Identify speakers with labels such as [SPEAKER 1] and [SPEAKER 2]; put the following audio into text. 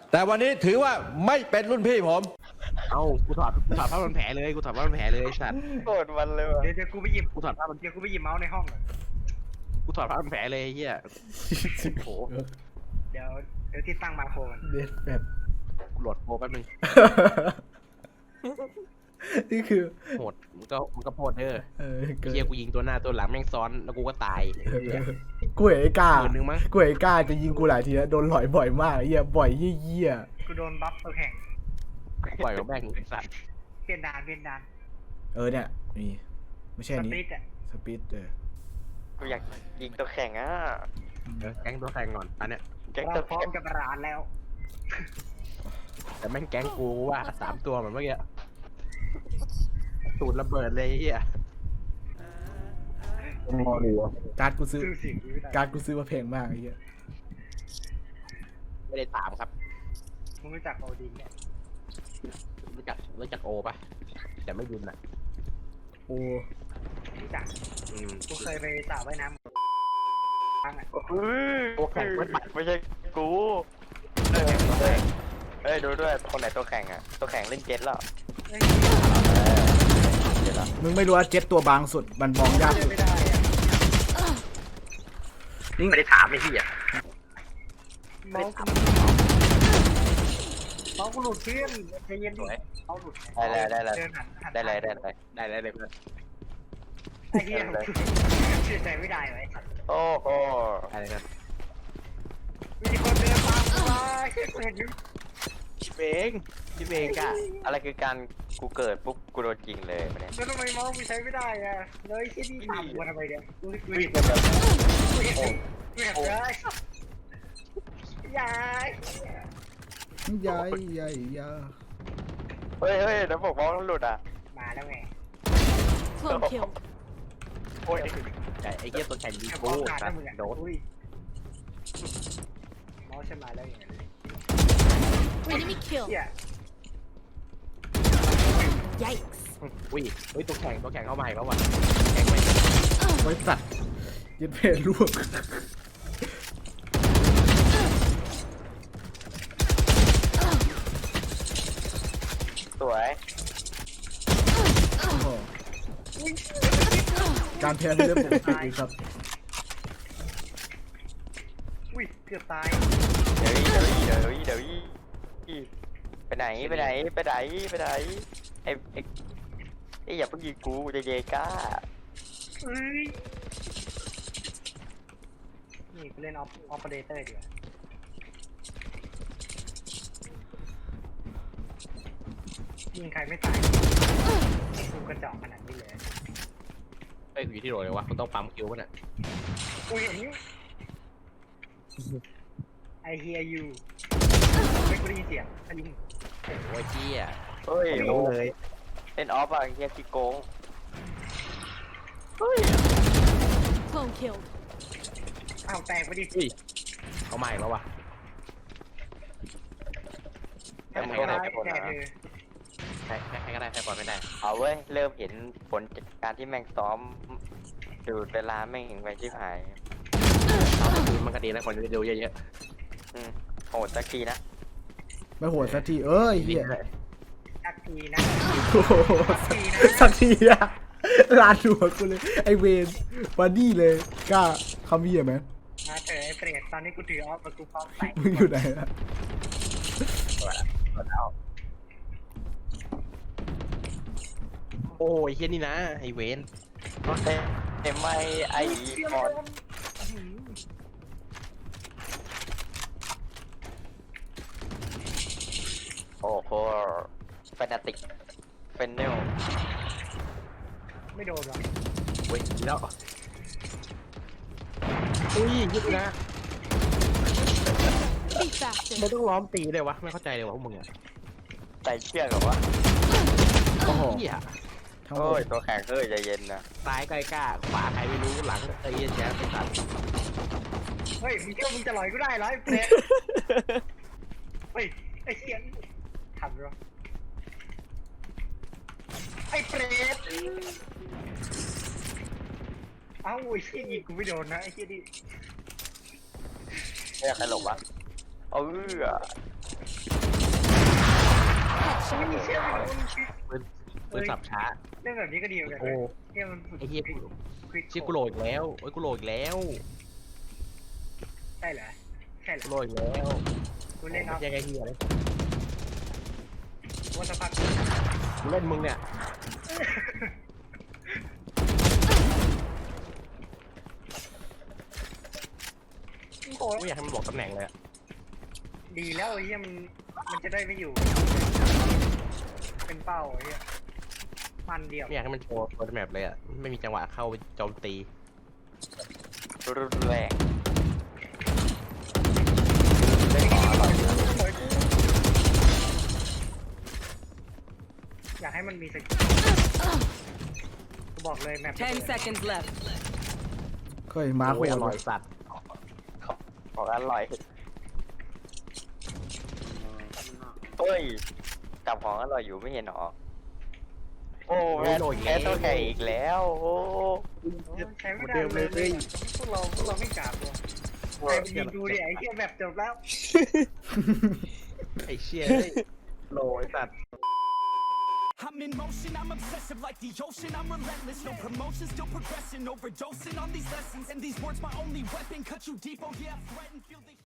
[SPEAKER 1] แต่วันนี้ถือว่าไม่เป็นรุ่นพี่ผม
[SPEAKER 2] เอ้ากูถอดผ้าพันแผลเลยกูถอดผ้าพันแผลเลยไอ้สัตว์
[SPEAKER 3] โกรธมันเลยว่ะ
[SPEAKER 4] เดี๋ยวกูไปหยิบ
[SPEAKER 2] กูถอดผ้าพัน
[SPEAKER 4] เดี๋ยวกูไปหยิบเมาส์ในห้องก่อน
[SPEAKER 2] กูถอดผ้าพันแผลเลยไอ้เหี้ยโอ้โห
[SPEAKER 4] เดี๋ยวที่ตั้งมาโครมัน
[SPEAKER 5] เด็ดแบบ
[SPEAKER 2] กูโหลดโปรแป๊บนึง
[SPEAKER 5] นี่คือ
[SPEAKER 2] โหดมันก็โพดเด้อ
[SPEAKER 5] เกิน
[SPEAKER 2] เหี้ยกูยิงตัวหน้าตัวหลังแม่งซ้อนแล้วกูก็ตายไอ้เหี้ย
[SPEAKER 5] กูเห็นไอ้กล้า
[SPEAKER 2] หมื่นหนึ่งมั้ง
[SPEAKER 5] กูเห็นไอ้กล้าจะยิงกูหลายทีแล้วโดนหลอยบ่อยมากไอ้เหี้ยบ่อยเยี่ย
[SPEAKER 4] กูโดนบัฟตัวแข่ง
[SPEAKER 2] ปล่อยกับแม่งไอ้สัตว์
[SPEAKER 4] เปลี่ยนด่าน
[SPEAKER 5] เนี่ยมีไม่ใช่
[SPEAKER 4] ส
[SPEAKER 5] อันนี้
[SPEAKER 4] ตรีทอ่ะ
[SPEAKER 5] สปีด
[SPEAKER 3] กูอยากยิงตัวแข่งอ่ะ
[SPEAKER 2] แก๊งตัวแข่งก่อนอันเนี้ย
[SPEAKER 3] แก๊ง
[SPEAKER 4] เรา
[SPEAKER 3] ตัว
[SPEAKER 4] พร้อ
[SPEAKER 3] แข่
[SPEAKER 4] ม
[SPEAKER 3] ง
[SPEAKER 4] จะประหลาดแล้ว
[SPEAKER 2] แต่แม่งแก๊งกูว่า3 ตัวเหมือนเมื่อกี้ตูดระเบิดเลยไอ้เหี้ย
[SPEAKER 5] การ์ดกูซื้อ
[SPEAKER 4] ซื้อสิ่งนี้ไม่ได้
[SPEAKER 5] การ์ดกูซื้อมาแพงมากไอ้เหี้ย
[SPEAKER 2] ไม่ได้ถามครับ
[SPEAKER 4] มึงรู้จักโอดินเนี่ย
[SPEAKER 2] รู้จักโอปะแต่ไม่ยุนอ่ะ
[SPEAKER 5] โอ้
[SPEAKER 4] รู้จัก
[SPEAKER 2] อืม
[SPEAKER 4] กูเคยไปสระว่ายน้ำครั้งอ่ะ
[SPEAKER 2] ตัวแข่งไม่ปัด
[SPEAKER 3] ไม่ใช่กูเอ้ยดูด้วยคนไหนตัวแข่งอ่ะตัวแข่งเล่นเจ็ตแล้วเจ็ตแล้ว
[SPEAKER 5] มึงไม่รู้ว่าเจ็ตตัวบางสุดมันมองยากสุด
[SPEAKER 4] ไม่ได้อ่ะ
[SPEAKER 2] ไม่ได้ถามไอ้เหี้ย
[SPEAKER 4] เมาส์กูหลุดเพื่อนใจเย็นดิเมาส์หลุด
[SPEAKER 3] ได้เลย
[SPEAKER 4] เดินหัน
[SPEAKER 3] ได้เลยได้เลย
[SPEAKER 2] ได้เลยเพื่อน
[SPEAKER 4] ไอ้เหี้ยเชื่อใจไม่ได้ไว้สัตว์
[SPEAKER 3] โอ้โห
[SPEAKER 2] ได้เลยครับ
[SPEAKER 4] มีคนเดินตามกูมากูเห็นอยู่
[SPEAKER 2] พี่เบงกะ
[SPEAKER 3] อะไรคือการกูเกิดปุ๊บกูโดนจริงเลยเนี่ย
[SPEAKER 4] แล้วทำไมเมาส์กูใช้ไม่ได้อะเลยที่นี่ถามกูทำไมเนี่ยกูเห็นกูเห็นเลยยาย
[SPEAKER 5] ใหญ่ใหญ่ยา
[SPEAKER 3] เฮ้ยแล้วผมมองหลุดอ่ะ
[SPEAKER 4] มาแล้วไง
[SPEAKER 6] Clone kill.
[SPEAKER 3] โอ้ย
[SPEAKER 2] แต่ไอ้เหี้ยตัวแข่งยิง
[SPEAKER 4] แค่ม
[SPEAKER 2] กู
[SPEAKER 4] องขาด
[SPEAKER 2] สั
[SPEAKER 4] นะ
[SPEAKER 2] ต
[SPEAKER 4] มึง
[SPEAKER 2] ว์
[SPEAKER 4] อ่ะ
[SPEAKER 2] โดน
[SPEAKER 4] อุ้ยเมาส์ฉันมาแล้วอย่างเงี้ย
[SPEAKER 6] Enemy kill.
[SPEAKER 4] เหี้ย
[SPEAKER 6] Yikes.
[SPEAKER 2] อุ้ยตัวแข่งเข้ามาอีกแล้วว่ะแข่งไม่
[SPEAKER 5] ไว้สัตว์ยึดเพลลวก
[SPEAKER 3] สวย
[SPEAKER 5] โอ้โหการแพ้เป็นเรื่องปกติครับ
[SPEAKER 4] อุ้ยเกือบตาย
[SPEAKER 3] เดี๋ยวไปไหนไอ้อย่าเพิ่งยิงกูจะเยก้า
[SPEAKER 4] เอ้ยนี่กูเล่นออปเปอเรเตอร์ดีกว่ายิงใครไม่ตายกูกระจอกขนาดนี้เลย
[SPEAKER 2] เอ้ยอยู่ที่โหลเลยวะมันต้องปั๊มคิวป่ะเนี่ย
[SPEAKER 4] กูเห็น I hear you ไม่กูได้ยินเสียงถ้ายิง
[SPEAKER 2] โอ้ยเหี้ย
[SPEAKER 3] เฮ้ย
[SPEAKER 2] รู้เลย
[SPEAKER 3] เล่นออฟอะเฮียขี้โกง
[SPEAKER 6] Clone killed.
[SPEAKER 4] อ้าวแตกไปดิ
[SPEAKER 2] เขามาอีกแล้ววะ
[SPEAKER 3] แต่มึงก็ได้
[SPEAKER 4] แต
[SPEAKER 3] ไป
[SPEAKER 4] ก
[SPEAKER 3] หมด
[SPEAKER 4] แต
[SPEAKER 3] นะ
[SPEAKER 4] กเลย
[SPEAKER 2] ใครก็ได้ใครปล่อยไม่ได้
[SPEAKER 3] เอาเว้ยเริ่มเห็นผลจากการที่แม่งซ้อมดูเวลาแม่งไปชิบหาย
[SPEAKER 2] มันก็ดีนะคนจะดูเยอะ
[SPEAKER 3] โหดสักทีนะ
[SPEAKER 5] ไม่โหดสักทีเอ้ย
[SPEAKER 2] ๆ
[SPEAKER 5] เฮีย
[SPEAKER 4] สักทีนะ
[SPEAKER 5] โอ้โหสักทีอะลานหัวกูเลยไอเวนมาดี้เลยกล้าคำเหี้ยไหม
[SPEAKER 4] มาเถอะไอ้เปรตตอนนี้กูถือออฟกับกูพร้อมใส่
[SPEAKER 5] มึงอยู่ไหนอะ
[SPEAKER 2] โอ้ยเฮียนี่นะไอเวน
[SPEAKER 3] เอ็มไอมอนโอ้โหเฟนาติกเฟนเนล
[SPEAKER 4] ไม่โดนหรอก
[SPEAKER 2] เว้ยแล้วอุ้ยยึดนะ
[SPEAKER 6] Be faster.
[SPEAKER 2] ไม่ต้องล้อมตีเลยวะไม่เข้าใจเลยวะพวกมึงอะ
[SPEAKER 3] ใส่เชือกเหรอวะ
[SPEAKER 5] โอ้โห
[SPEAKER 2] เฮีย
[SPEAKER 5] ทั้งหม
[SPEAKER 3] โอ้ย
[SPEAKER 5] ด
[SPEAKER 3] ตัวแข็งเฮ้ยใจเย็นนะ
[SPEAKER 2] ซ้ายใกล้กล้าขวาใครไม่รู้หลังไอ้เหี้ยแจ๊สไปตัด
[SPEAKER 4] เฮ้ยมึงเชื่อมึงจะลอยกูได้เหรอไอ้เปรตเฮ้ยไอ้เสียงทำหรอไอ้เปรตเอ้าไอ้เชี่ยยิงกูไม่โดนนะไอ้เชี่ยดิ
[SPEAKER 3] เนี่ยใครหลบวะเออ
[SPEAKER 4] ไม่มีเชื่อไม่รู้
[SPEAKER 2] ปืนสับช้า
[SPEAKER 4] เล่นแบบนี้ก็ดีเหมือนกัน
[SPEAKER 2] โอ้
[SPEAKER 4] เนี่ยมันฝึก
[SPEAKER 2] ไอ้เหี้ย
[SPEAKER 4] ควิก
[SPEAKER 2] ชิกูโหลอีกแล้วโอ้ยกูโหลอีกแล้ว
[SPEAKER 4] ใช่เหรอใช่เหร
[SPEAKER 2] กู
[SPEAKER 4] อ
[SPEAKER 2] โหลอีกแล้ว
[SPEAKER 4] กูเล่นเอา
[SPEAKER 2] ไม่ใช่ไอ้เหี้ยเลย
[SPEAKER 4] วันสักพัก
[SPEAKER 2] กูเล่นมึงเนี่ย
[SPEAKER 4] โอ้
[SPEAKER 2] ไม่อยากให้มันบอกตำแหน่งเลยอะ
[SPEAKER 4] ดีแล้วไอ้เหี้ยมันจะได้ไม่อยู่ เป็นเป้าไอ้เหี้ยมันเดียว
[SPEAKER 2] ไม่อยากให้มันโชว์ตัวแมปเลยอ่ะไม่มีจังหวะเข้าไปโจมตี
[SPEAKER 3] รุนแรง
[SPEAKER 4] อยากให้มันมีสกิลกูบอกเลยแมป
[SPEAKER 7] 10 seconds left.
[SPEAKER 5] เคยมาร์ค
[SPEAKER 2] โอ้
[SPEAKER 5] โห
[SPEAKER 2] ยอ
[SPEAKER 5] ด
[SPEAKER 2] ร่อยสัตว์
[SPEAKER 3] ของอร่อยเฮ้ยจับของอร่อยอยู่ไม่เห็นหรอโอ้แพ้ตัวแข่งอีกแล้วโอ้
[SPEAKER 4] ใช้ไม่ได้เลยพวกเราไม่กล้าตัวใครยิงดูดิไอ้เหี้ยแบบจบแล้ว
[SPEAKER 2] ไอ้เชี่ยโหลไอ้สัตว์
[SPEAKER 8] I'm in motion, I'm obsessive like the ocean, I'm relentless. No promotion, still progressing, overdosing on these lessons. And these words my only weapon, cut you deep, oh yeah, I threaten, feel the